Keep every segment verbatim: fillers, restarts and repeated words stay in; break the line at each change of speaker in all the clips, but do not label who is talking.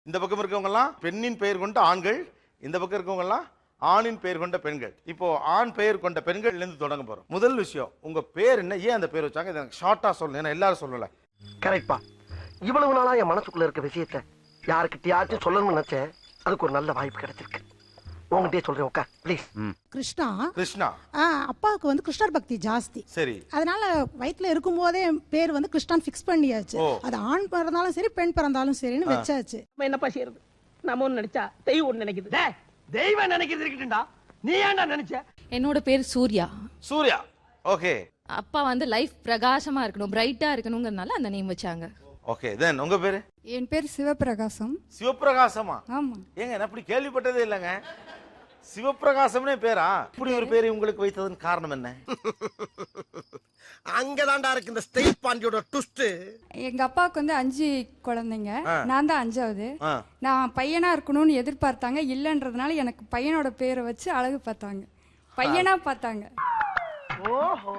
இந்த பக்கம் இருக்கவங்க எல்லாம் பெண்ணின் பெயர் கொண்ட ஆண்கள், இந்த பக்கம் இருக்கவங்க எல்லாம் ஆணின் பெயர் கொண்ட பெண்கள். இப்போ ஆண் பெயர் கொண்ட பெண்கள் இருந்து தொடங்க போறோம். முதல் விஷயம், உங்க பேர் என்ன, ஏன் அந்த பேர் வச்சாங்க, இதை ஷார்ட்டா சொல்லணும், ஏன்னா எல்லாரும் சொல்லல.
கரெக்ட்பா. இவ்வளவு நாளா என் மனசுக்குள்ள இருக்க விஷயத்த யாருக்கிட்டயாச்சும் சொல்லணும்னு நினைச்சேன். அதுக்கு ஒரு நல்ல வாய்ப்பு கிடைச்சிருக்கு. உங்ககிட்டயே சொல்றேன், உட்கார் ப்ளீஸ்.
கிருஷ்ணா
கிருஷ்ணா
அப்பாவுக்கு வந்து கிருஷ்ணர் பக்தி ஜாஸ்தி.
சரி.
அதனால வயிற்றுல இருக்கும் போதே பேர் வந்து கிருஷ்ணான் ஃபிக்ஸ் பண்ணியாச்சு. அது ஆண் பிறந்தாலும் சரி பெண் பிறந்தாலும் சரின்னு வச்சாச்சு.
என்னப்பா செய்யறது, நம்ம ஒண்ணு நினைச்சா தெய்வம் ஒண்ணு நினைக்குது.
தெய்வம் நினைக்கிறது இருக்கட்டும்டா, நீ ஏன்டா நினைச்ச?
என்னோட பேர் சூர்யா.
சூர்யா. ஓகே.
அப்பா வந்து லைஃப் பிரகாசமா இருக்கணும், பிரைட்டா இருக்கணும்ங்கறனால அந்த நேம் வச்சாங்க.
ஓகே. தென் உங்க பேரு?
என் பேர் சிவபிரகாசம்.
சிவபிரகாசமா?
ஆமா.
ஏங்க நான் அப்படி கேள்விப்பட்டதே இல்லைங்க. சிவபிரகாசம்னே பேரா? இப்படி ஒரு பேரை உங்களுக்கு வைத்ததன் காரணம் என்ன?
அங்கதான்டா இருக்கு இந்த ஸ்டேட் பாண்டியோட ட்விஸ்ட்.
எங்க அப்பாவுக்கு வந்து அஞ்சு குழந்தைங்க, நான் தான் அஞ்சாவது.
ஆ.
நான் பையனா இருக்கணும்னு எதிர்பார்த்தாங்க, இல்லன்றதுனால எனக்கு பையனோட பேரை வச்சு அழகு பார்த்தாங்க, பையனா பார்த்தாங்க.
ஓஹோ,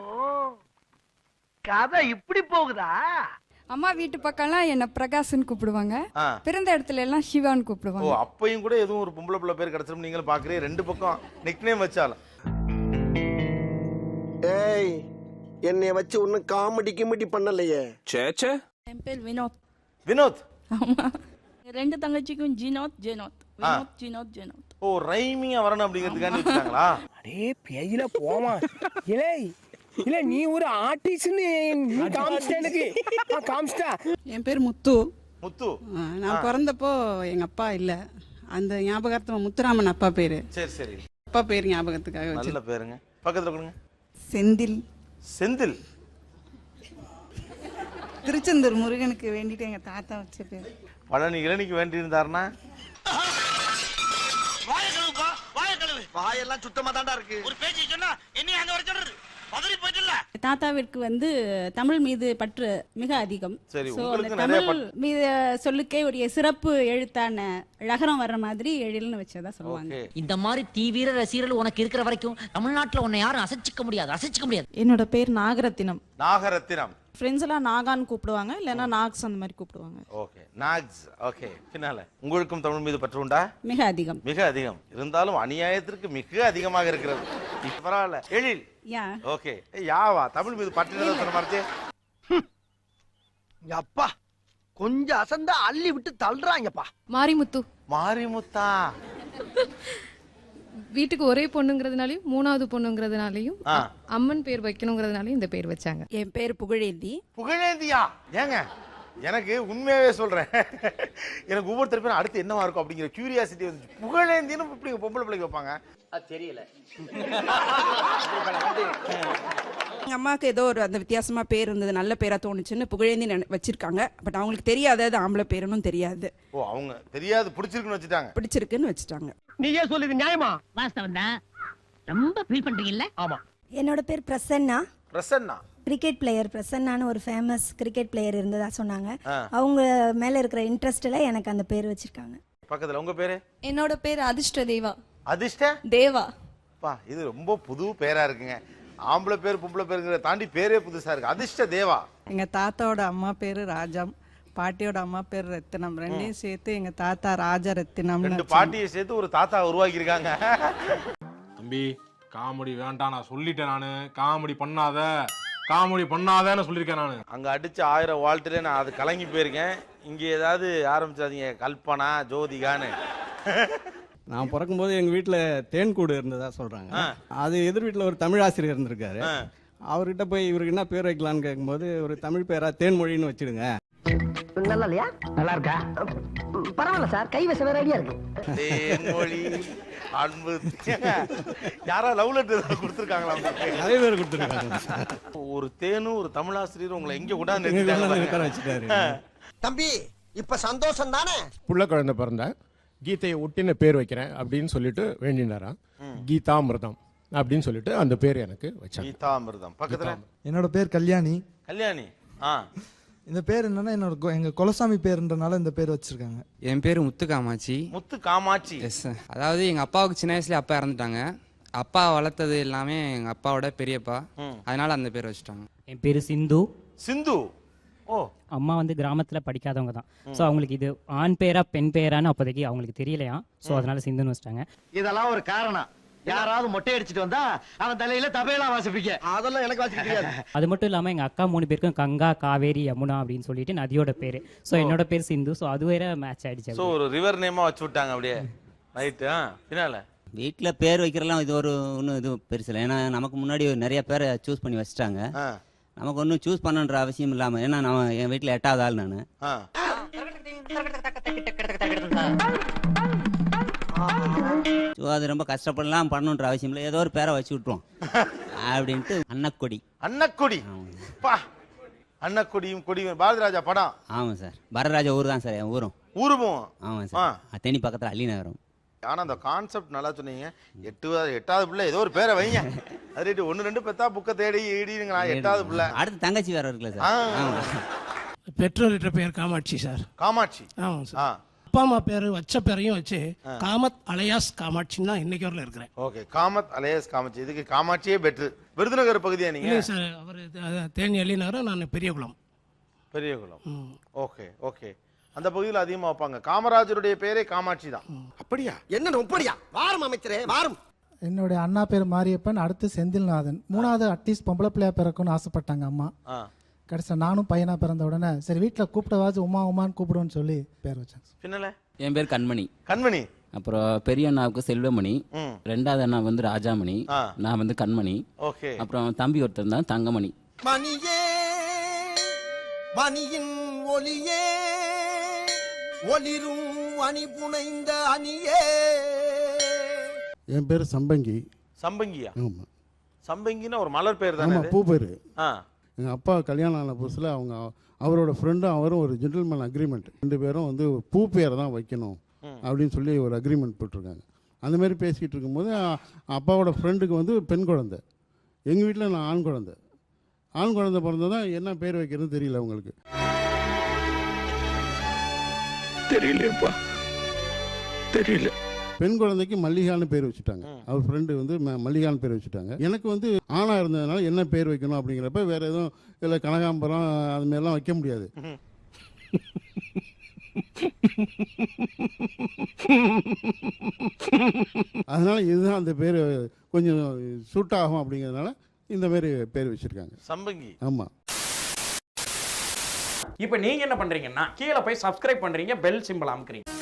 கதை இப்படி போகுதா?
அம்மா வீட்டு பக்கம்லாம் என்ன பிரகாஷ்னு கூப்பிடுவாங்க,
ஆ.
பிறந்த இடத்துல எல்லாம் சிவான்னு
ஓ,
கூப்பிடுவாங்க.
அப்பையும் கூட எதுவும் ஒரு பொம்பளை பிள்ளை பேர் கிடைச்சிரும் நீங்களும் பாக்குறீங்க, ரெண்டு பக்கம் நிக்நேம் வச்சாலும்.
ஏய், என்னைய வச்சு ஒன்னும் காமெடி கிமெடி பண்ணலையே.
சேச்சே.
என் பேர் வினோத்.
வினோத்.
ஆமா, ரெண்டு தங்கச்சிக்கும் ஜினோத் ஜெனோத். வினோத் ஜினோத் ஜெனோத்.
ஓ, ரைமிங்கா வரணும் அப்படிங்கிறதுக்காண்டி வச்சாங்களா?
அடே பேயில போமா. இலே இல்ல, நீ ஒரு ஆர்டிஸ்ட்னு நீ காமிச்சிட்ட எனக்கு. காமிச்சிட்டா.
என் பேர் முத்து.
முத்து.
நான் பிறந்தப்போ எங்க அப்பா இல்ல, அந்த ஞாபகார்த்தமா முத்துராமன் அப்பா பேரு.
சரி சரி.
அப்பா பேர் ஞாபகத்துக்காக வச்சு.
நல்ல பேருங்க. பக்கத்துல கொடுங்க.
செந்தில்.
செந்தில்.
திருச்செந்தூர் முருகனுக்கு வேண்டிட்டு எங்க தாத்தா வச்ச பேர்.
பழனி இளநிக்கு வேண்டி இருந்தாருன்னா
வாயெல்லாம் சுத்தமா தாண்டா இருக்கு.
ஒரு பேச்சு சொன்னா என்ன அங்க வர சொல்றது, பதறி போயிட்டல. தாத்தாவிற்கு வந்து தமிழ் மீது பற்று மிக அதிகம்.
சரி,
So,
உங்களுக்கு
அந்த
நிறைய
தமிழ் மீது சொல்லுக்கே ஒரு சிறப்பு எழுத்தான ழகரம் வர்ற மாதிரி எழில்னு வச்சதா சொல்லுவாங்க.
ஓகே.
இந்த மாதிரி தீவிர ரசிகர்கள் உனக்கு இருக்கிற வரைக்கும் தமிழ்நாட்டுல உன்னை யாரும் அசைச்சிக்க முடியாது, அசைச்சிக்க முடியாது.
என்னோட பேர் நாகரத்தினம்.
நாகரத்தினம்.
ஃப்ரெண்ட்ஸ் எல்லாம் நாகான்னு கூப்பிடுவாங்க, இல்லைன்னா நாக்ஸ் அந்த மாதிரி கூப்பிடுவாங்க.
Okay, Knox. ஓகே. பின்னால உங்களுக்கும் தமிழ் மீது பற்று உண்டா?
மிக அதிகம்.
மிக அதிகம். இருந்தாலும் அநியாயத்திற்கு மிக அதிகமாக இருக்கிறது. இப்ப பரவாயில்ல. எழில்.
யா.
ஓகே. யாவா தமிழ் மீது பற்று சொன்ன மாதிரி.
அப்பா கொஞ்சம் அசந்தா அள்ளி விட்டு தள்ளுறாங்கப்பா.
மாரிமுத்து.
மாரிமுத்தா.
வீட்டுக்கு ஒரே பொண்ணுங்கிறதுனாலயும் மூணாவது பொண்ணுங்கிறதுனாலயும்
ஆ.
அம்மன் பேர் வைக்கணுங்கிறதுனாலயும் இந்த பேர் வச்சாங்க.
என் பேர் புகழேந்தி.
புகழேந்தியா? ஏங்க எனக்கு உண்மையாவே சொல்றேன், எனக்கு ஒவ்வொருத்தர் பேரும் அடுத்து என்னவா இருக்கும் அப்படிங்கிற கியூரியாசிட்டி வந்து. புகழேந்தின்னு இப்படி பொம்பளை பிள்ளைக்கு வைப்பாங்க?
அது தெரியல.
எங்க அம்மாவுக்கு ஏதோ ஒரு அந்த வித்தியாசமா பேர் இருந்தது, நல்ல பேரா தோணுச்சுன்னு புகழேந்தி வச்சிருக்காங்க. பட் அவங்களுக்கு தெரியாது அது ஆம்பளை பேருன்னு தெரியாது.
ஓ, அவங்க தெரியாது, பிடிச்சிருக்குன்னு வச்சுட்டாங்க.
பிடிச்சிருக்குன்னு வச்சுட்டாங்க.
நீயே சொல்லுது நியாயமா?
வாஸ்தவம் தான். ரொம்ப ஃபீல் பண்றீங்கல்ல?
ஆமா.
என்னோட பேர் பிரசன்னா.
பிரசன்னா.
Cricket player. பிரசன்னான்னு ஒரு ஃபேமஸ் கிரிக்கெட் பிளேயர் இருந்ததா சொன்னாங்க. அவங்க மேல இருக்கிற இன்ட்ரெஸ்ட்ல எனக்கு அந்த பேர் வச்சிருக்காங்க.
பக்கத்துல உங்க பேரு?
என்னோட பேர் அதிர்ஷ்ட தேவா.
அதிர்ஷ்ட
தேவா.
பா, இது ரொம்ப புது பேரா இருக்குங்க. ஆம்பளை பேர் பொம்பளை பேருங்கிற தாண்டி பேரே புதுசா இருக்கு. அதிர்ஷ்ட தேவா.
எங்க தாத்தாவோட அம்மா பேரு ராஜம், பாட்டியோட அம்மா பேர் ரத்தினம். ரெண்டையும் சேர்த்து எங்க தாத்தா ராஜ ரத்தினம்.
ரெண்டு பாட்டியை சேர்த்து ஒரு தாத்தா உருவாக்கி இருக்காங்க.
தம்பி, காமெடி வேண்டாம், நான் சொல்லிட்டேன். நானு காமெடி பண்ணாத, காமெடி பண்ணாதேன்னு சொல்லியிருக்கேன் நானு.
அங்க அடிச்ச ஆயிரம் வாழ்த்துல நான் அது கலங்கி போயிருக்கேன். இங்க ஏதாவது ஆரம்பிச்சாதீங்க கல்பனா ஜோதிகான்னு.
நான் பிறக்கும்போது எங்க வீட்டுல தேன்கூடு இருந்ததா சொல்றாங்க. அது எதிர் வீட்டுல ஒரு தமிழ் ஆசிரியர் இருந்திருக்காரு. அவர்கிட்ட போய் இவருக்கு என்ன பேர் வைக்கலான்னு கேட்கும்போது ஒரு தமிழ் பேரா தேன்மொழின்னு வச்சிடுங்க.
நல்லா இல்லையா? நல்லா இருக்கா? பரவாயில்ல சார், கை வச வேற ஐடியா இருக்கு.
தேன்மொழி அன்பு. யாரா லவ் லெட்டர் கொடுத்துருக்காங்களா?
நிறைய பேர் கொடுத்துருக்காங்க.
ஒரு தேனும் ஒரு தமிழாசிரியர் உங்களை எங்க கூட
வச்சுட்டாரு.
தம்பி இப்ப சந்தோஷம் தானே?
புள்ள குழந்தை பிறந்த கீதையை ஒட்டின பேர் வைக்கிறேன் அப்படின்னு சொல்லிட்டு வேண்டினாராம். கீதாமிர்தம் அப்படின்னு சொல்லிட்டு அந்த பேர் எனக்கு வச்சாங்க.
கீதாமிர்தம். பக்கத்துல
என்னோட பேர் கல்யாணி.
கல்யாணி. ஆ.
இந்த பேர் என்னன்னா என்னோட எங்க குலசாமி பேருன்றனால இந்த பேர் வச்சிருக்காங்க.
என் பேரு முத்து காமாட்சி.
முத்து காமாட்சி.
எஸ். அதாவது எங்க அப்பாவுக்கு சின்ன வயசுல அப்பா இறந்துட்டாங்க. அப்பா வளர்த்தது எல்லாமே எங்க அப்பாவோட பெரியப்பா, அதனால அந்த பேர் வச்சுட்டாங்க.
என் பேரு சிந்து.
சிந்து. ஓ
அம்மா வந்து கிராமத்துல படிக்காதவங்க தான். ஸோ அவங்களுக்கு இது ஆண் பேரா பெண் பேரான்னு அப்போதைக்கு அவங்களுக்கு தெரியலையா. ஸோ அதனால சிந்துன்னு வச்சிட்டாங்க.
இதெல்லாம் ஒரு காரணம். யாராவது மொட்டை அடிச்சிட்டு வந்தா அவன் தலையில தபையெல்லாம் வாசிப்பீங்க. அதெல்லாம் எனக்கு வாசிக்க தெரியாது.
அது மட்டும் இல்லாம எங்க அக்கா மூணு பேருக்கும் கங்கா, காவேரி, யமுனா அப்படின்னு சொல்லிட்டு நதியோட பேரு. ஸோ என்னோட பேர் சிந்து. ஸோ அது வேற மேட்ச் ஆயிடுச்சு.
ஸோ ஒரு ரிவர் நேமா வச்சு விட்டாங்க அப்படியே. ரைட்டு. ஆ பின்னால
வீட்டில் பேர் வைக்கிறலாம் இது ஒரு ஒன்றும் இது பெருசு இல்லை. ஏன்னா நமக்கு முன்னாடி நிறைய பேரை சூஸ் பண்ணி வச்சுட்டாங்க. நமக்கு ஒன்றும் சூஸ் பண்ணுன்ற அவசியம் இல்லாமல், ஏன்னா நான் என் வீட்டில் எட்டாவது ஆள் நான். ஸோ அது ரொம்ப கஷ்டப்படலாம் பண்ணணுன்ற அவசியம் இல்லை. ஏதோ ஒரு பேரை வச்சு விட்டுருவோம் அப்படின்ட்டு அன்னக்கொடி.
அன்னக்கொடி அன்னக்கொடியும் கொடியும் பாரதிராஜா படம்.
ஆமாம் சார். வரராஜா ஊர் தான் சார் என் ஊரும்.
ஊருமும்
ஆமாம் சார். தேனி பக்கத்தில் அள்ளி நகரம்.
ஆனால் அந்த கான்செப்ட் நல்லா சொன்னீங்க. எட்டு எட்டாவது பிள்ளை ஏதோ ஒரு பேரை வைங்க. அது ரைட்டு. ஒன்று ரெண்டு பெத்தா புக்கை தேடி ஈடிங்களா. எட்டாவது பிள்ளை.
அடுத்து தங்கச்சி வேற இருக்குல்ல சார்.
பெற்றோர்கிட்ட பேர் காமாட்சி சார்.
காமாட்சி.
ஆமாம் சார். அப்பா அம்மா பேர் வச்ச பேரையும் வச்சு காமத் அலையாஸ் காமாட்சின்னு தான் இன்னைக்கு வரல இருக்கிறேன்.
Okay, Kamath alias Kamakshi. இதுக்கு காமாட்சியே பெட்ரு. விருதுநகர் பகுதியா நீங்க?
இல்லை சார், அவர் தேனி அள்ளி நகரம், நான் பெரியகுளம்.
பெரியகுளம். Okay okay. அந்த பகுதியில் அதிகமாக வைப்பாங்க. காமராஜருடைய பேரே காமாட்சி தான்.
அப்படியா? என்ன அப்படியா? வாரம் அமைச்சரே வாரம்.
என்னுடைய அண்ணா பேர் மாரியப்பன், அடுத்து செந்தில்நாதன். மூணாவது அட்லீஸ்ட் பொம்பளை பிள்ளையா பிறக்கும்னு ஆசைப்பட்டாங்க அம்மா. கடைசியா நானும் பையனா பிறந்த உடனே சரி வீட்டில் கூப்பிட்டவாச்சு உமா உமான்னு கூப்பிடுவோன்னு சொல்லி பேர் வச்சாங்க.
பின்னல
என் பேர் கண்மணி.
கண்மணி.
அப்புறம் பெரிய அண்ணாவுக்கு செல்வமணி, ரெண்டாவது அண்ணா வந்து ராஜாமணி, நான் வந்து கண்மணி.
ஓகே.
அப்புறம் தம்பி ஒருத்தர் தான் தங்கமணி.
மணியே மணியின் ஒளியே ஒளிரும் அணி புனைந்த அணியே.
என் பேர் சம்பங்கி.
சம்பங்கியா?
ஆமா.
சம்பங்கின்னா ஒரு மலர் பேர் தானே?
பூ பேர். எங்கள் அப்பா கல்யாணம் ஆன புதுசில் அவங்க அவரோட ஃப்ரெண்டும் அவரும் ஒரு ஜென்டில்மேன் அக்ரிமெண்ட், ரெண்டு பேரும் வந்து பூ பேரை தான் வைக்கணும் அப்படின்னு சொல்லி ஒரு அக்ரிமெண்ட் போட்டிருக்காங்க. அந்த மாதிரி பேசிக்கிட்டு இருக்கும்போது அப்பாவோட ஃப்ரெண்டுக்கு வந்து பெண் குழந்தை, எங்கள் வீட்டில் நான் ஆண் குழந்தை. ஆண் குழந்தை பிறந்ததான் என்ன பேர் வைக்கிறதுன்னு தெரியல அவங்களுக்கு.
தெரியலப்பா, தெரியல.
பெண் குழந்தைக்கு மல்லிகான்னு பேர் வச்சுட்டாங்க. அவர் ஃப்ரெண்டு வந்து மல்லிகான்னு பேர் வச்சுட்டாங்க. எனக்கு வந்து ஆணா இருந்ததுனால என்ன பேர் வைக்கணும் அப்படிங்கிறப்ப வேற எதுவும் இல்லை, கனகாம்பரம் அது மாதிரிலாம் வைக்க முடியாது. அதனால இதுதான் அந்த பேர் கொஞ்சம் சூட் ஆகும் அப்படிங்கிறதுனால இந்த மாதிரி பேர் வச்சிருக்காங்க,
சம்பங்கி.
ஆமா.
இப்போ நீங்க என்ன பண்றீங்கன்னா கீழே போய் சப்ஸ்கிரைப் பண்றீங்க, பெல் சிம்பிள் அமுக்குறீங்க.